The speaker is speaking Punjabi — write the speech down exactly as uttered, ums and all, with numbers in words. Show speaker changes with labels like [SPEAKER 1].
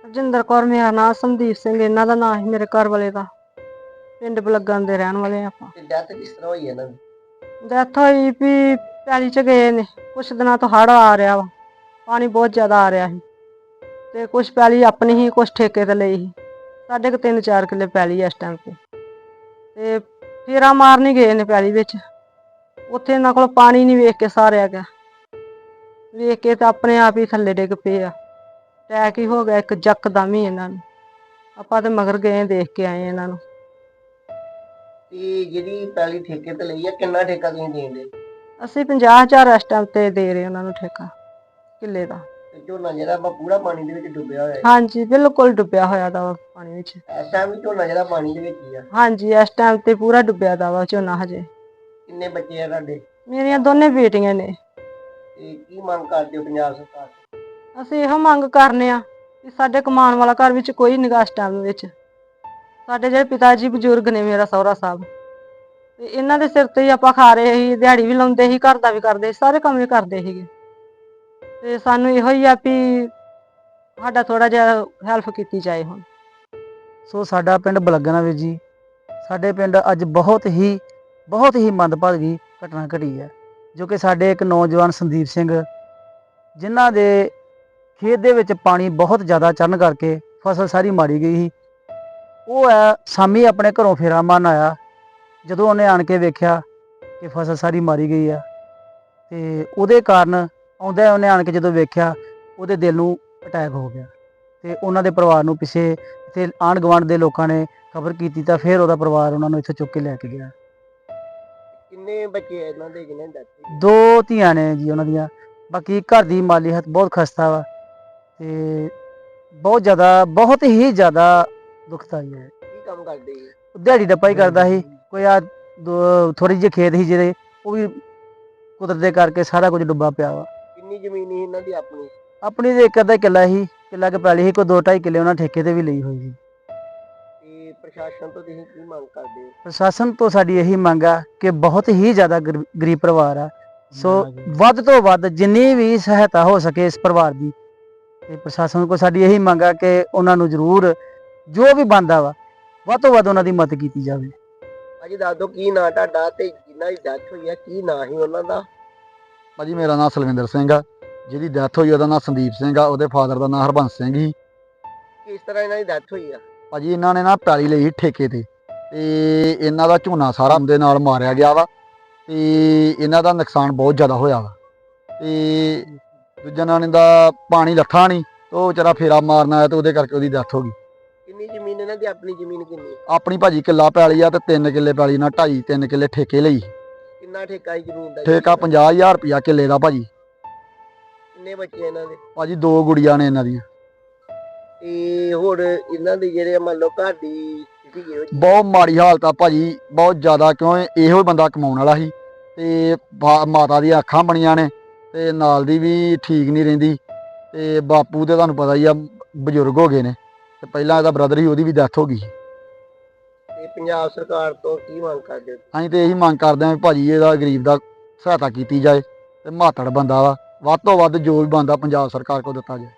[SPEAKER 1] ਰਜਿੰਦਰ ਕੌਰ ਮੇਰਾ ਨਾਂ, ਸੰਦੀਪ ਸਿੰਘ ਇਹਨਾਂ ਦਾ ਨਾਂ ਸੀ, ਮੇਰੇ ਘਰ ਵਾਲੇ ਦਾ। ਪਿੰਡ ਬਲੱਗਣ ਦੇ ਰਹਿਣ ਵਾਲੇ ਆਪਾਂ।
[SPEAKER 2] ਤੇ ਡੈਥ ਕਿਸ ਤਰ੍ਹਾਂ ਹੋਈ ਇਹਨਾਂ ਦੀ?
[SPEAKER 1] ਡੈਥ ਹੋਈ ਵੀ ਪੈਲੀ ਚ ਗਏ ਨੇ, ਕੁਛ ਦਿਨਾਂ ਤੋਂ ਹੜ੍ਹ ਆ ਰਿਹਾ ਵਾ, ਪਾਣੀ ਬਹੁਤ ਜ਼ਿਆਦਾ ਆ ਰਿਹਾ ਸੀ ਤੇ ਕੁਛ ਪੈਲੀ ਆਪਣੀ ਹੀ, ਕੁਛ ਠੇਕੇ ਤੇ ਲਈ ਸੀ। ਸਾਡੇ ਕੋਲ ਤਿੰਨ ਚਾਰ ਕਿੱਲੇ ਪੈਲੀ ਇਸ ਟਾਈਮ ਤੇ ਤੇ ਫੇਰਾ ਮਾਰਨ ਹੀ ਗਏ ਨੇ ਪੈਲੀ ਵਿੱਚ। ਉੱਥੇ ਇਹਨਾਂ ਕੋਲ ਪਾਣੀ ਨਹੀਂ ਵੇਖ ਕੇ ਸਾਰਿਆ ਗਿਆ, ਵੇਖ ਕੇ ਤਾਂ ਆਪਣੇ ਆਪ ਹੀ ਥੱਲੇ ਡਿੱਗ ਪਏ ਆ। ਅਟੈਕ ਹੀ ਹੋ ਗਿਆ ਇੱਕ ਯਕਦਮ ਹੀ ਇਹਨਾਂ ਨੂੰ। ਆਪਾਂ ਤੇ ਮਗਰ ਗਏ, ਦੇਖ ਕੇ ਆਏ ਇਹਨਾਂ ਨੂੰ।
[SPEAKER 2] ਤੇ ਜਿਹੜੀ ਪੈਲੀ ਠੇਕੇ ਤੇ ਲਈ ਆ, ਕਿੰਨਾ ਠੇਕਾ ਤੁਸੀਂ ਦੇਂਦੇ?
[SPEAKER 1] ਅਸੀਂ ਪੰਜਾਹ ਹਜ਼ਾਰ ਇਸ ਟਾਈਮ ਤੇ ਦੇ ਰਹੇ ਉਹਨਾਂ ਨੂੰ ਠੇਕਾ ਕਿੱਲੇ ਦਾ।
[SPEAKER 2] ਤੇ ਝੋਨਾ ਜਿਹੜਾ ਵਾ ਪੂਰਾ ਪਾਣੀ ਦੇ ਵਿੱਚ ਡੁੱਬਿਆ ਹੋਇਆ ਹੈ?
[SPEAKER 1] ਹਾਂਜੀ, ਬਿਲਕੁਲ ਡੁੱਬਿਆ ਹੋਇਆ ਦਾ ਵਾ ਪਾਣੀ ਵਿੱਚ।
[SPEAKER 2] ਇਸ ਟਾਈਮ ਵੀ ਝੋਨਾ ਜਿਹੜਾ ਪਾਣੀ ਦੇ ਵਿੱਚ ਹੀ ਆ?
[SPEAKER 1] ਹਾਂਜੀ, ਇਸ ਟਾਈਮ ਤੇ ਪੂਰਾ ਡੁੱਬਿਆ ਦਾ ਵਾ ਝੋਨਾ ਹਜੇ।
[SPEAKER 2] ਕਿੰਨੇ ਬੱਚੇ ਆ ਤੁਹਾਡੇ?
[SPEAKER 1] ਮੇਰੀਆਂ ਦੋਨੇ ਬੇਟੀਆਂ ਨੇ।
[SPEAKER 2] ਤੇ ਕੀ ਮੰਗ ਕਰਦੇ ਹੋ ਪੰਜਾਬ ਸਰਕਾਰ ਤੋਂ?
[SPEAKER 1] ਅਸੀਂ ਇਹੋ ਮੰਗ ਕਰਨੇ ਆ ਕਿ ਸਾਡੇ ਕਮਾਉਣ ਵਾਲਾ ਘਰ ਵਿੱਚ ਕੋਈ ਨਿਗਾਹ ਇਸ ਟਾਈਮ ਵਿੱਚ। ਸਾਡੇ ਜਿਹੜੇ ਪਿਤਾ ਜੀ ਬਜ਼ੁਰਗ ਨੇ, ਮੇਰਾ ਸਹੁਰਾ ਸਾਹਿਬ, ਤੇ ਇਹਨਾਂ ਦੇ ਸਿਰ ਤੇ ਹੀ ਆਪਾਂ ਖਾ ਰਹੇ ਸੀ, ਦਿਹਾੜੀ ਵੀ ਲਾਉਂਦੇ ਸੀ, ਘਰ ਦਾ ਵੀ ਕਰਦੇ ਸੀ, ਸਾਰੇ ਕੰਮ ਵੀ ਕਰਦੇ ਸੀਗੇ। ਤੇ ਸਾਨੂੰ ਇਹੋ ਹੀ ਆ ਵੀ ਸਾਡਾ ਥੋੜਾ ਜਿਹਾ ਹੈਲਪ ਕੀਤੀ ਜਾਏ ਹੁਣ।
[SPEAKER 3] ਸੋ ਸਾਡਾ ਪਿੰਡ ਬਲੱਗਣਾ ਵੀਰ ਜੀ, ਸਾਡੇ ਪਿੰਡ ਅੱਜ ਬਹੁਤ ਹੀ ਬਹੁਤ ਹੀ ਮੰਦਭਾਗੀ ਘਟਨਾ ਘਟੀ ਹੈ, ਜੋ ਕਿ ਸਾਡੇ ਇੱਕ ਨੌਜਵਾਨ ਸੰਦੀਪ ਸਿੰਘ, ਜਿਨ੍ਹਾਂ ਦੇ ਖੇਤ ਦੇ ਵਿੱਚ ਪਾਣੀ ਬਹੁਤ ਜ਼ਿਆਦਾ ਚੜ੍ਹਨ ਕਰਕੇ ਫਸਲ ਸਾਰੀ ਮਾਰੀ ਗਈ ਸੀ। ਉਹ ਹੈ ਸ਼ਾਮੀ ਆਪਣੇ ਘਰੋਂ ਫੇਰਾ ਮਾਰਨ ਆਇਆ, ਜਦੋਂ ਉਹਨੇ ਆਣ ਕੇ ਵੇਖਿਆ ਕਿ ਫਸਲ ਸਾਰੀ ਮਾਰੀ ਗਈ ਆ, ਤੇ ਉਹਦੇ ਕਾਰਨ ਆਉਂਦਾ ਉਹਨੇ ਆਣ ਕੇ ਜਦੋਂ ਵੇਖਿਆ, ਉਹਦੇ ਦਿਲ ਨੂੰ ਅਟੈਕ ਹੋ ਗਿਆ। ਤੇ ਉਹਨਾਂ ਦੇ ਪਰਿਵਾਰ ਨੂੰ ਪਿੱਛੇ ਇੱਥੇ ਆਂਢ ਗੁਆਂਢ ਦੇ ਲੋਕਾਂ ਨੇ ਖਬਰ ਕੀਤੀ, ਤਾਂ ਫਿਰ ਉਹਦਾ ਪਰਿਵਾਰ ਉਹਨਾਂ ਨੂੰ ਇੱਥੇ ਚੁੱਕ ਕੇ ਲੈ ਕੇ ਗਿਆ।
[SPEAKER 2] ਕਿੰਨੇ ਬੱਚੇ ਆ ਇਹਨਾਂ ਦੇ ਜਿਹਨਾਂ ਦੀ ਡੈਥ ਹੋਈ?
[SPEAKER 3] ਦੋ ਧੀਆਂ ਨੇ ਜੀ ਉਹਨਾਂ ਦੀਆਂ। ਬਾਕੀ ਘਰ ਦੀ ਮਾਲੀ ਹਾਲਤ ਬਹੁਤ ਖਸਤਾ ਵਾ ਤੇ ਬਹੁਤ ਜ਼ਿਆਦਾ ਬਹੁਤ ਹੀ ਜ਼ਿਆਦਾ ਦੁਖਦਾਈ ਹੈ।
[SPEAKER 2] ਕੀ ਕੰਮ ਕਰਦੇ ਜੀ?
[SPEAKER 3] ਦਿਹਾੜੀ ਡੱਪਾ ਹੀ ਕਰਦਾ ਸੀ। ਕੋਈ ਆ ਥੋੜੀ ਜਿਹੀ ਖੇਤ ਸੀ ਜਿਹੜੇ, ਉਹ ਵੀ ਕੁਦਰਤ ਦੇ ਕਰਕੇ ਸਾਰਾ ਕੁਝ ਡੁੱਬਾ ਪਿਆ ਵਾ।
[SPEAKER 2] ਕਿੰਨੀ ਜ਼ਮੀਨ ਸੀ ਇਹਨਾਂ ਦੀ ਆਪਣੀ?
[SPEAKER 3] ਆਪਣੀ ਤੇ ਇੱਕ ਅੱਧਾ ਕਿੱਲਾ ਸੀ, ਕਿੱਲਾ ਕੇ ਪੈਲੀ ਸੀ, ਕੋਈ ਦੋ ਢਾਈ ਕਿੱਲੇ ਉਹਨਾਂ ਠੇਕੇ ਤੇ ਵੀ ਲਈ ਹੋਈ ਸੀ।
[SPEAKER 2] ਤੇ ਪ੍ਰਸ਼ਾਸਨ ਤੋਂ ਤੁਸੀਂ ਕੀ ਮੰਗ ਕਰਦੇ ਹੋ?
[SPEAKER 3] ਪ੍ਰਸ਼ਾਸਨ ਤੋਂ ਸਾਡੀ ਇਹੀ ਮੰਗ ਆ ਕਿ ਬਹੁਤ ਹੀ ਜ਼ਿਆਦਾ ਗਰੀਬ ਪਰਿਵਾਰ ਆ, ਸੋ ਵੱਧ ਤੋਂ ਵੱਧ ਜਿੰਨੀ ਵੀ ਸਹਾਇਤਾ ਹੋ ਸਕੇ ਇਸ ਪਰਿਵਾਰ ਦੀ, ਤੇ ਪ੍ਰਸ਼ਾਸਨ ਕੋਲ ਸਾਡੀ ਇਹੀ ਮੰਗ ਆ ਕਿ ਉਹਨਾਂ ਨੂੰ ਜ਼ਰੂਰ ਜੋ ਵੀ ਬਣਦਾ ਵਾ ਵੱਧ ਤੋਂ ਵੱਧ ਉਹਨਾਂ ਦੀ ਮਦਦ ਕੀਤੀ ਜਾਵੇ।
[SPEAKER 2] ਭਾਜੀ ਦੱਸ ਦਿਓ ਕੀ ਨਾਂ ਤੁਹਾਡਾ, ਤੇ ਜਿਨ੍ਹਾਂ ਦੀ ਡੈਥ ਹੋਈ ਆ ਕੀ ਨਾਂ ਸੀ ਉਹਨਾਂ ਦਾ?
[SPEAKER 4] ਭਾਜੀ ਮੇਰਾ ਨਾਮ ਸਲਵਿੰਦਰ ਸਿੰਘ ਆ, ਜਿਹਦੀ ਡੈਥ ਹੋਈ ਉਹਦਾ ਨਾਮ ਸੰਦੀਪ ਸਿੰਘ ਆ, ਉਹਦੇ ਫਾਦਰ ਦਾ ਨਾਮ ਹਰਬੰਸ ਸਿੰਘ ਸੀ।
[SPEAKER 2] ਕਿਸ ਤਰ੍ਹਾਂ ਇਹਨਾਂ ਦੀ ਡੈਥ ਹੋਈ ਆ?
[SPEAKER 4] ਭਾਜੀ ਇਹਨਾਂ ਨੇ ਨਾ ਪੈਲੀ ਲਈ ਸੀ ਠੇਕੇ ਤੇ, ਤੇ ਇਹਨਾਂ ਦਾ ਝੋਨਾ ਸਾਰਾ ਦੇ ਨਾਲ ਮਾਰਿਆ ਗਿਆ ਵਾ, ਤੇ ਇਹਨਾਂ ਦਾ ਨੁਕਸਾਨ ਬਹੁਤ ਜ਼ਿਆਦਾ ਹੋਇਆ ਵਾ। ਤੇ ਦੂਜਾ ਨਾਂ ਦਾ ਪਾਣੀ ਲੱਥਾ ਨਹੀਂ, ਤੇ ਉਹ ਵਿਚਾਰਾ ਫੇਰਾ ਮਾਰਨ ਆਇਆ, ਤੇ ਉਹਦੇ ਕਰਕੇ ਉਹਦੀ ਡੈਥ ਹੋ ਗਈ।
[SPEAKER 2] ਕਿੰਨੀ ਜ਼ਮੀਨ ਇਹਨਾਂ ਦੀ ਆਪਣੀ ਜ਼ਮੀਨ ਕਿੰਨੀ?
[SPEAKER 4] ਆਪਣੀ ਭਾਜੀ ਕਿੱਲਾ ਪੈਲੀ ਆ, ਤੇ ਤਿੰਨ ਕਿੱਲੇ ਪੈਲੀ ਨਾਲ ਢਾਈ ਤਿੰਨ ਕਿੱਲੇ ਠੇਕੇ ਲਈ।
[SPEAKER 2] ਕਿੰਨਾ ਠੇਕਾ ਹੀ ਜ਼ਮੀਨ ਦਾ?
[SPEAKER 4] ਠੇਕਾ ਪੰਜਾਹ ਹਜ਼ਾਰ ਰੁਪਇਆ ਕਿੱਲੇ ਦਾ ਭਾਜੀ।
[SPEAKER 2] ਕਿੰਨੇ ਬੱਚੇ ਇਹਨਾਂ ਦੇ?
[SPEAKER 4] ਭਾਜੀ ਦੋ ਗੁੜੀਆਂ ਨੇ ਇਹਨਾਂ ਦੀਆਂ।
[SPEAKER 2] ਤੇ ਹੋਰ ਇਹਨਾਂ ਦੀ ਜਿਹੜੇ ਮੰਨ ਲਓ ਘਰ ਦੀ ਸਥਿਤੀ
[SPEAKER 4] ਬਹੁਤ ਮਾੜੀ ਹਾਲਤ ਆ ਭਾਜੀ, ਬਹੁਤ ਜ਼ਿਆਦਾ, ਕਿਉਂ ਇਹੋ ਬੰਦਾ ਕਮਾਉਣ ਵਾਲਾ ਸੀ, ਤੇ ਮਾਤਾ ਦੀਆਂ ਅੱਖਾਂ ਬਣੀਆਂ ਨੇ, ਤੇ ਨਾਲ ਦੀ ਵੀ ਠੀਕ ਨਹੀਂ ਰਹਿੰਦੀ, ਤੇ ਬਾਪੂ ਦੇ ਤੁਹਾਨੂੰ ਪਤਾ ਹੀ ਆ ਬਜ਼ੁਰਗ ਹੋ ਗਏ ਨੇ, ਤੇ ਪਹਿਲਾਂ ਇਹਦਾ ਬ੍ਰਦਰ ਸੀ, ਉਹਦੀ ਵੀ ਡੈਥ ਹੋ ਗਈ।
[SPEAKER 2] ਤੇ ਪੰਜਾਬ ਸਰਕਾਰ ਤੋਂ ਕੀ ਮੰਗ ਕਰਦੇ ਹੋ?
[SPEAKER 4] ਅਸੀਂ ਤੇ ਇਹੀ ਮੰਗ ਕਰਦੇ ਹਾਂ ਵੀ ਭਾਜੀ ਇਹਦਾ ਗਰੀਬ ਦਾ ਸਹਾਇਤਾ ਕੀਤੀ ਜਾਏ, ਤੇ ਮਾਤੜ ਬੰਦਾ ਵਾ, ਵੱਧ ਤੋਂ ਵੱਧ ਜੋ ਵੀ ਬਣਦਾ ਪੰਜਾਬ ਸਰਕਾਰ ਕੋਲ ਦਿੱਤਾ ਜਾਏ।